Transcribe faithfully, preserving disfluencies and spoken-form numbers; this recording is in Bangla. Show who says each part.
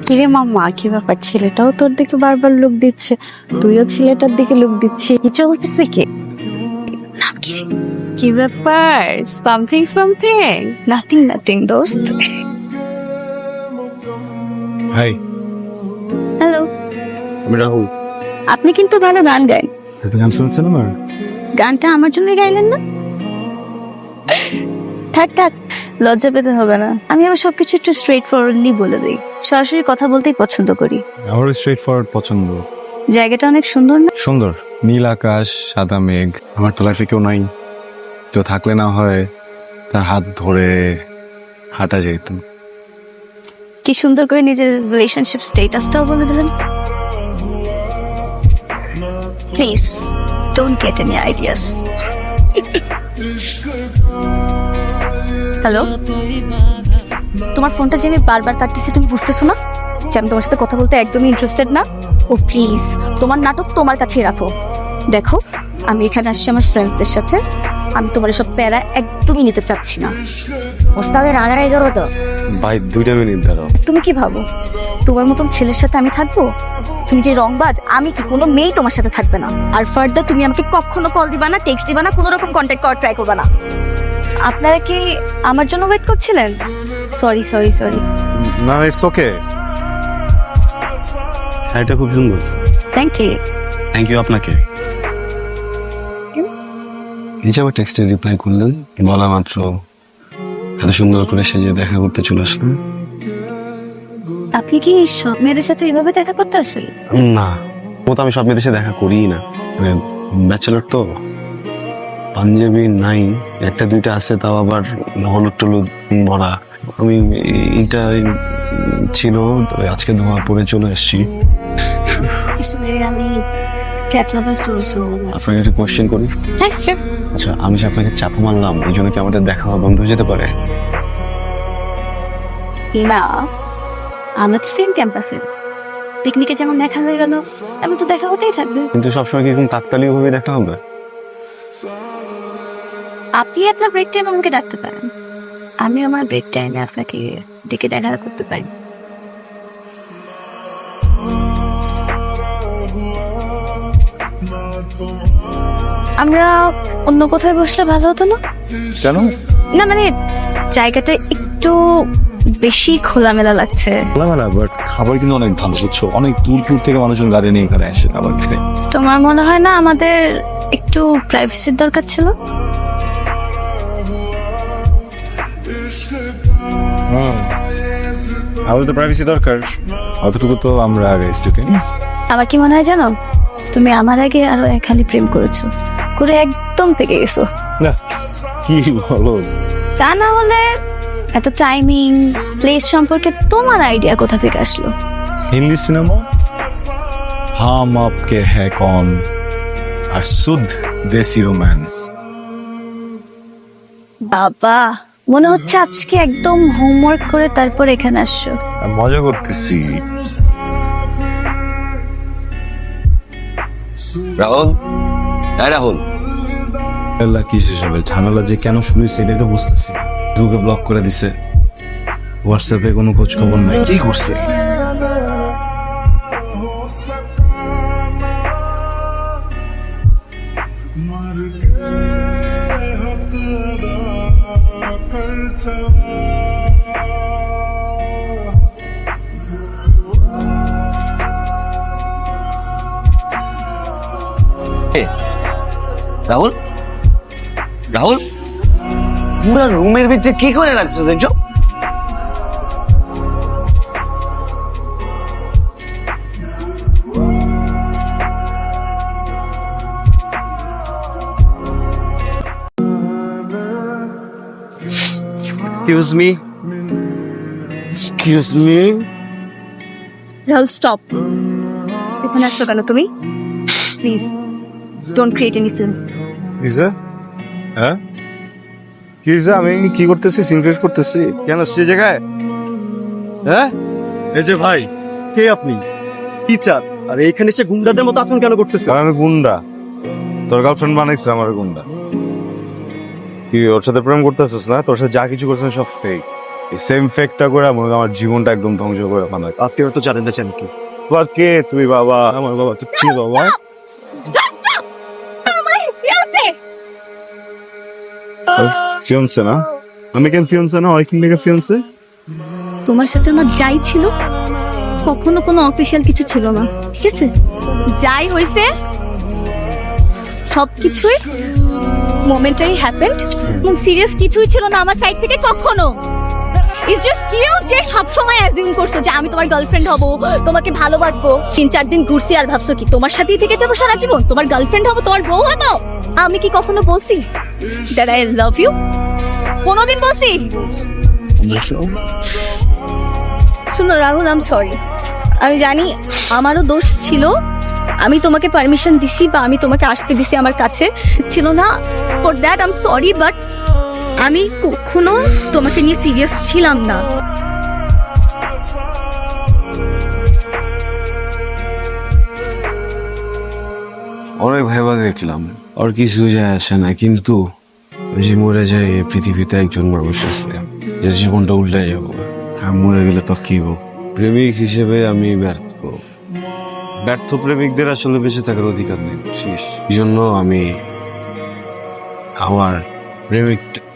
Speaker 1: কিরে মাম্মা, কি ব্যাপার? ছেলেটাও তোর দিকে বারবার লুক দিচ্ছে, তুইও ছেলেটার দিকে লুক দিচ্ছি, কি চলতেছে? কি নাম কি রে? কি ব্যাপার? Something something? নাথিং নাথিং দোস্ত।
Speaker 2: হাই,
Speaker 1: হ্যালো,
Speaker 2: আমি রাহুল।
Speaker 1: আপনি কিন্তু ভালো গান গান।
Speaker 2: আপনি গান শুনছেন আমার?
Speaker 1: গানটা আমার জন্যই গাইলেন না? থাক থাক, লজ্জা পেতে হবে না। আমি আবার সবকিছু একটু স্ট্রেট ফরওয়ার্ডলি বলে দিই, সরাসরি কথা বলতেই পছন্দ করি।
Speaker 2: আমার স্ট্রেট ফরওয়ার্ড পছন্দ।
Speaker 1: জায়গাটা অনেক সুন্দর না?
Speaker 2: সুন্দর, নীল আকাশ, সাদা মেঘ। আমার তো লাইফে কেউ নাই, কেউ থাকলে না হয় তার হাত ধরে হাঁটা যেত।
Speaker 1: কি সুন্দর করে নিজের রিলেশনশিপ স্ট্যাটাসটাও বলে দিলেন। Please don't get any ideas. Hello, তোমার ফোনটা যে আমি বারবার কাটতেছি, তুমি বুঝতেছো না যে আমি তোমার সাথে কথা বলতে একদমই ইন্টারেস্টেড না? ও প্লিজ, তোমার নাটক তোমার কাছেই রাখো। দেখো, আমি এখানে আসছি আমার ফ্রেন্ডসদের সাথে, আমি তোমার এসব প্যারা একদমই নিতে চাচ্ছি না। ওস্তাদের রাগারাগি করো তো।
Speaker 2: ভাই দুইটা মিনিট দাঁড়াও।
Speaker 1: তুমি কি ভাবো তোমার মতন ছেলের সাথে আমি থাকবো? তুমি যে রংবাজ, আমি কি কোনো মেয়েই তোমার সাথে থাকবে না। আর ফার্দার তুমি আমাকে কখনো কল দিবা না, টেক্সট দিবা না, কোনো রকম কন্ট্যাক্ট করার ট্রাই করবা না। আপনারা কি আমার জন্য ওয়েট করছিলেন? Sorry sorry sorry.
Speaker 2: না, ইটস ওকে। শাড়িটা খুব সুন্দর।
Speaker 1: Thank you.
Speaker 2: থ্যাংক ইউ আপনাকে। এই যে আমার টেক্সটে রিপ্লাই করলেন, বলা মাত্র এত সুন্দর করে সেজে দেখা করতে চলে আসলেন।
Speaker 1: আপনি কি সব মেয়েদের সাথে এভাবে দেখা করতে আসেন?
Speaker 2: না, ও তো আমি সব মেয়েদের সাথে দেখা করিই না, মানে ব্যাচেলর তো। পাঞ্জাবি নাই, একটা দুইটা আছে, তাও আবার হলুদ টলুদ ভরা। আমি এইটা ছিল, আজকে ধোয়া পরে চলে এসেছি।
Speaker 1: আমি
Speaker 2: আপনাকে একটা কোয়েশ্চেন করি। আচ্ছা, আমি যে আপনাকে চাপা মারলাম, এই জন্য কি আমাদের দেখা হওয়া বন্ধ হয়ে যেতে পারে?
Speaker 1: না, আমরা তো সেম ক্যাম্পাসে, পিকনিকে যেমন দেখা হয়ে গেল এমন তো দেখা হতেই থাকবে।
Speaker 2: কিন্তু সবসময় কি এরকম কাকতালীয় ভাবে দেখা হবে?
Speaker 1: আপনি আপনার ব্রেক টাইম আমাকে ডাকতে পারেন, আমি আমার ব্রেক টাইমে আপনাকে ডেকে দেখা করতে পারি। আমরা অন্য কোথায় বসলে ভালো হতো না?
Speaker 2: কেন?
Speaker 1: না মানে জায়গাটা একটু বেশি খোলামেলা লাগছে।
Speaker 2: খোলামেলা, বাট খাবার কিন্তু অনেক ভালো, বুঝছো? অনেক দূর দূর থেকে মানুষজন গাড়ি নিয়ে এখানে আসে খাবার খেতে।
Speaker 1: তোমার মনে হয় না আমাদের একটু প্রাইভেসির দরকার ছিল?
Speaker 2: আমাদের তো প্রাইভেসি দরকার, অতটুকু তো আমরা আগে স্টুডেন্ট।
Speaker 1: আমার কি মনে হয় জানো, তুমি আমার আগে আরো এক খালি প্রেম করেছো, করে একদম পেকে গেছো।
Speaker 2: না, কি বলো?
Speaker 1: তা না হলে এত টাইমিং প্লেস সম্পর্কে তোমার আইডিয়া কোথা থেকে আসলো?
Speaker 2: হিন্দি সিনেমা হাম আপকে হ্যাঁ কন আর শুদ্ধ দেশি রোম্যান্স।
Speaker 1: বাবা, মনে হচ্ছে আজকে একদম হোমওয়ার্ক করে তারপর এখানে আসছো।
Speaker 2: মজা করতেছি।
Speaker 3: রাহুল, হ্যাঁ রাহুল,
Speaker 2: আল্লাহ কি সেসবের ঝামেলা যে কেন শুরু হয়েছে এটাই তো বুঝতেছি। দুকে ব্লক করে দিছে, হোয়াটসঅ্যাপে কোনো খোঁজ খবর নাই, কি করছে?
Speaker 3: রাহুল, রাহুল, পুরো রুমের ভিতরে কি করে রাখছো দেখছো?
Speaker 2: Excuse me, excuse me.
Speaker 1: Rahul stop, এখানে আসছো কেন তুমি? Please don't create any scene.
Speaker 2: কিসে? হ্যাঁ, কিসে? আমি কি করতেছি? সিনক্রেট করতেছি কেন সে জায়গায়? হ্যাঁ,
Speaker 4: এই যে ভাই, কে আপনি? কি চান? আর এইখানে এসে গুন্ডাদের মতো আচরণ কেন করতেছে?
Speaker 2: আমি গুন্ডা? তোর গার্লফ্রেন্ড বানাইছে আমার গুন্ডা। কি ওর সাথে প্রেম করতেছিস না? তোর সাথে যা কিছু করছিস সব ফেক। এই সেম ফেকটা করে মনে হয় আমার জীবনটা একদম ধ্বংস করে ফেলা।
Speaker 4: আপনারা তো জানেন না চান কি
Speaker 2: বাবা কে তুই? বাবা আমার বাবা তুই কি বাবা? ফিয়ন্সে না? আমি কেন ফিয়ন্সে না? ওই কিন ফিয়ন্সে?
Speaker 1: তোমার সাথে আমার যাই ছিল কখনো কোনো অফিসিয়াল কিছু ছিল না, ঠিক আছে? যাই হয়েছে সবকিছুই মোমেন্টারি হ্যাপেন্ড এবং সিরিয়াস কিছুই ছিল না আমার সাইড থেকে কখনো। ইটস জাস্ট ইউ যে সব সময় অ্যাজিউম করছো যে আমি তোমার গার্লফ্রেন্ড হব, তোমাকে ভালোবাসবো। তিন চার দিন ঘুরছি আর ভাবছো কি তোমার সাথেই থেকে যাবো সারা জীবন, তোমার গার্লফ্রেন্ড হব, তোমার বউ হব? আমি কি কখনো বলছি দ্যাট আই লাভ ইউ? কোনোদিন বলছি? শুনো রাহুল, আই এম সরি। আমি জানি আমারও দোষ ছিল, আমি তোমাকে পারমিশন দিছি বা আমি তোমাকে আসতে দিছি আমার কাছে, ছিল না। For that I am sorry, but আমি কখনো তোমাকে নিয়ে সিরিয়াস ছিলাম না।
Speaker 2: অনেক ভেবা দেখলাম, আর কিছু যায় আসে না, কিন্তু ওই যে মরে যায় এই পৃথিবীতে একজন মানুষ আছে যে জীবনটা উল্টে যাবো। আর মরে গেলে তো কি হোক, প্রেমিক হিসেবে আমি ব্যর্থ। ব্যর্থ প্রেমিকদের আসলে বেঁচে থাকার অধিকার নেই, বুঝছিস? এই জন্য আমি আমার প্রেমিক